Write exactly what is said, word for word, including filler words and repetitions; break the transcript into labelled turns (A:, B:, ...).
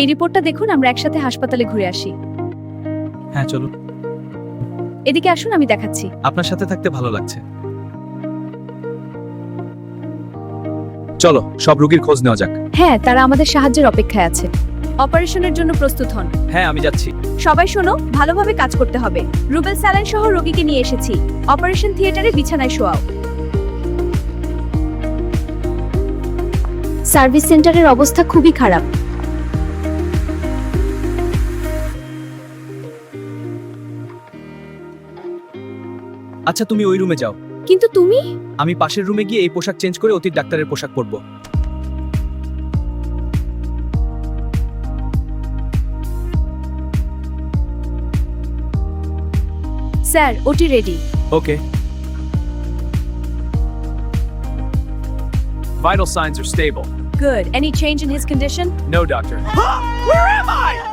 A: এই রিপোর্টটা দেখুন, আমরা একসাথে হাসপাতালে ঘুরে আসি।
B: হ্যাঁ চলুন।
A: এদিকে আসুন, আমি দেখাচ্ছি।
B: আপনার সাথে থাকতে ভালো লাগছে। চলো সব রোগীর খোঁজ নেওয়া যাক।
A: হ্যাঁ, তারা আমাদের সাহায্যের অপেক্ষায় আছে। অপারেশনের জন্য প্রস্তুত হন।
B: হ্যাঁ আমি যাচ্ছি।
A: সবাই শোনো, ভালোভাবে কাজ করতে হবে। রুবেল স্যালাইন সহ রোগীকে নিয়ে এসেছি। অপারেশন থিয়েটারে বিছানায় শোয়াও। সার্ভিস সেন্টারের অবস্থা খুবই খারাপ।
B: আচ্ছা তুমি ওই রুমে যাও,
A: কিন্তু তুমি
B: আমি পাশের রুমে গিয়ে এই পোশাক চেঞ্জ করে অতীত ডাক্তারের পোশাক পরবো।
A: Sir, OT ready.
B: Okay.
C: Vital signs are stable.
A: Good. Any change in his condition?
C: No, doctor. Where am I?